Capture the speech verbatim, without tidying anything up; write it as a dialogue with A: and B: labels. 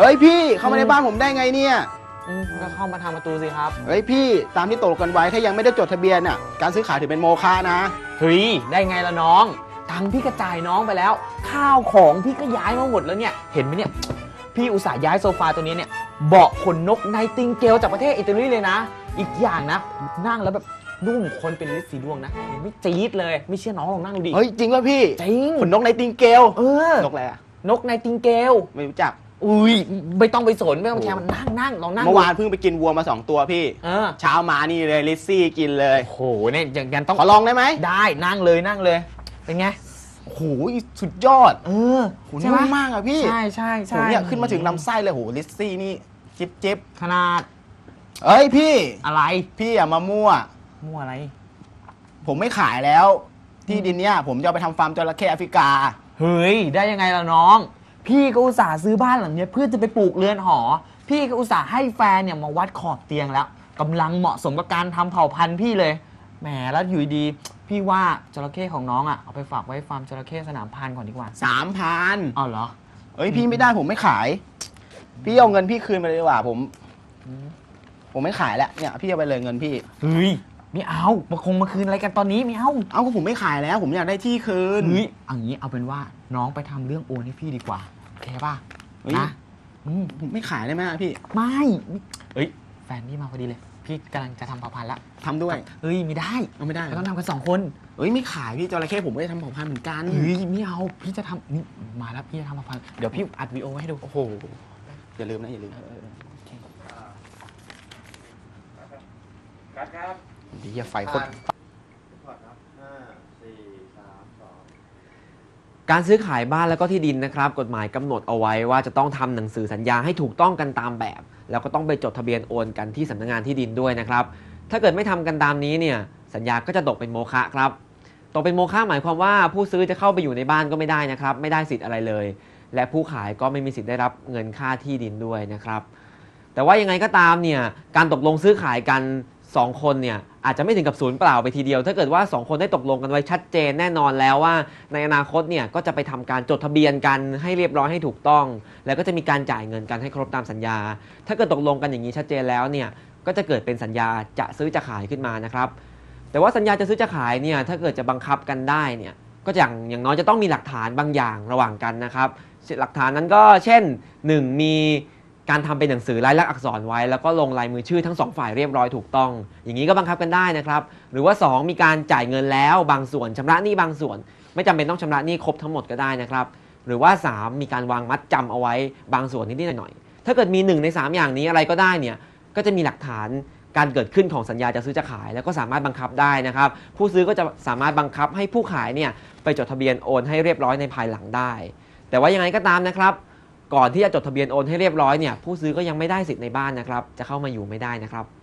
A: เฮ้ยพี่เข้ามาในบ้านผมได้ไงเนี่ย
B: ก็เข้ามาทางประตูสิครับ
A: เฮ้ยพี่ตามที่ตกลงกันไว้ถ้ายังไม่ได้จดทะเบียนอ่ะการซื้อขายถือเป็นโมฆะนะ
B: เฮ้ยได้ไงล่ะน้องตังค์พี่กระจายน้องไปแล้วข้าวของพี่ก็ย้ายมาหมดแล้วเนี่ยเห็นไหมเนี่ยพี่อุตส่าห์ย้ายโซฟาตัวนี้เนี่ยเบาะขนนกไนติงเกลจากประเทศอิตาลีเลยนะอีกอย่างนะนั่งแล้วแบบนุ่มคนเป็นลิ์สีดวงนะไม่จี๊ดเลยไม่เชื่อน้องลองนั่งดูดิ
A: เฮ้ยจริงป่ะพี่
B: จริง
A: ขนนกไนติงเกล
B: เออน
A: กอะไรอะ
B: นกไนติงเกล
A: ไม่รู้จัก
B: อุ้ยไม่ต้องไปสนไม่ต้องแคร์มันนั่งนั่งลองนั่ง
A: เมื่อวานเพิ่งไปกินวัวมาสองตัวพี่เช้ามานี่เลยลิซซี่กินเลย
B: โอ้โหเนี่ยอย่างนั้นต้อง
A: ขอลองได้ไหม
B: ได้นั่งเลยนั่งเลยเป็นไง
A: โอ้โหสุดยอด
B: เออ
A: นุ่มมากอะพี่
B: ใช่ใช่ใช่
A: เนี่ยขึ้นมาถึงลำไส้เลยโหลิซซี่นี่จิ๊บจิ๊บ
B: ขนาด
A: เอ้ยพี่
B: อะไร
A: พี่อย่ามามั่ว
B: มั่วอะไร
A: ผมไม่ขายแล้วที่ดินเนี่ยผมจะเอาไปทำฟาร์มจระเข้แอฟริกา
B: เฮ้ยได้ยังไงล่ะน้องพี่ก็อุตส่าห์ซื้อบ้านหลังนี้เพื่อจะไปปลูกเรือนหอพี่ก็อุตส่าห์ให้แฟนเนี่ยมาวัดขอบเตียงแล้วกำลังเหมาะสมกับการทำเผ่าพันธุ์พี่เลยแหมแล้วอยู่ดีพี่ว่าจระเข้ของน้องอ่ะเอาไปฝากไว้ฟาร์มจระเข้สนามพันธุ์ก่อนดีกว่า
A: สามพัน
B: อ๋อเหรอ
A: เอ้ยพี่ไม่ได้ผมไม่ขายพี่เอาเงินพี่คืนไปเลยดีกว่าผมผมไม่ขายแล้วเนี่ยพี่เอาไปเลยเงินพี่
B: เฮ้ยไม่เอามาคงมาคืนอะไรกันตอนนี้ไม่เอา
A: เอาก็ผมไม่ขายแล้วผมอยากได้ที่คืน
B: เฮ้ยเอางี้เอาเป็นว่าน้องไปทำเรื่องโอนให้พี่ดีกว่าโอเคป่ะนะ
A: ผมไม่ขายได้ไหมพี่
B: ไม่เฮ้ยแฟนพี่มาพอดีเลยพี่กำลังจะทำเผ่าพันธุ์ละ
A: ทำด้วย
B: เฮ้ยไม่ได้
A: เอาไม่ได้
B: เราต้องทำกันสองคน
A: เฮ้ยไม่ขายพี่จระเข้ผมไม่ได้ทำเผ่าพันธุ์เหมือนกัน
B: เฮ้ยไม่เอาพี่จะทำนี่มาแล้วพี่จะทำเผ่าพันธุ์เดี๋ยวพี่อัดวีดีโอให้ดู
A: โอ้โหอย่าลืมนะอย่าลืม
C: ครับ
A: ดีอย่าไฟโคตร
D: การซื้อขายบ้านแล้วก็ที่ดินนะครับกฎหมายกำหนดเอาไว้ว่าจะต้องทำหนังสือสัญญาให้ถูกต้องกันตามแบบแล้วก็ต้องไปจดทะเบียนโอนกันที่สำนักงานที่ดินด้วยนะครับถ้าเกิดไม่ทำกันตามนี้เนี่ยสัญญาก็จะตกเป็นโมฆะครับตกเป็นโมฆะหมายความว่าผู้ซื้อจะเข้าไปอยู่ในบ้านก็ไม่ได้นะครับไม่ได้สิทธิ์อะไรเลยและผู้ขายก็ไม่มีสิทธิ์ได้รับเงินค่าที่ดินด้วยนะครับแต่ว่ายังไงก็ตามเนี่ยการตกลงซื้อขายกันสองคนเนี่ยอาจจะไม่ถึงกับศูนย์เปล่าไปทีเดียวถ้าเกิดว่าสองคนได้ตกลงกันไว้ชัดเจนแน่นอนแล้วว่าในอนาคตเนี่ยก็จะไปทำการจดทะเบียนกันให้เรียบร้อยให้ถูกต้องแล้วก็จะมีการจ่ายเงินกันให้ครบตามสัญญาถ้าเกิดตกลงกันอย่างนี้ชัดเจนแล้วเนี่ยก็จะเกิดเป็นสัญญาจะซื้อจะขายขึ้นมานะครับแต่ว่าสัญญาจะซื้อจะขายเนี่ยถ้าเกิดจะบังคับกันได้เนี่ยก็อย่างอย่างน้อยจะต้องมีหลักฐานบางอย่างระหว่างกันนะครับหลักฐานนั้นก็เช่นหนึ่งมีการทำเป็นหนังสือลายลักษณ์อักษรไว้แล้วก็ลงลายมือชื่อทั้งสองฝ่ายเรียบร้อยถูกต้องอย่างนี้ก็บังคับกันได้นะครับหรือว่าสองมีการจ่ายเงินแล้วบางส่วนชำระหนี้บางส่วนไม่จำเป็นต้องชำระหนี้ครบทั้งหมดก็ได้นะครับหรือว่าสามมีการวางมัดจำเอาไว้บางส่วนนิดๆหน่อยๆถ้าเกิดมีหนึ่งในสามอย่างนี้อะไรก็ได้เนี่ยก็จะมีหลักฐานการเกิดขึ้นของสัญญาจะซื้อจะขายแล้วก็สามารถบังคับได้นะครับผู้ซื้อก็จะสามารถบังคับให้ผู้ขายเนี่ยไปจดทะเบียนโอนให้เรียบร้อยในภายหลังได้แต่ว่ายังไงก็ตามนะครับก่อนที่จะจดทะเบียนโอนให้เรียบร้อยเนี่ยผู้ซื้อก็ยังไม่ได้สิทธิ์ในบ้านนะครับจะเข้ามาอยู่ไม่ได้นะครับ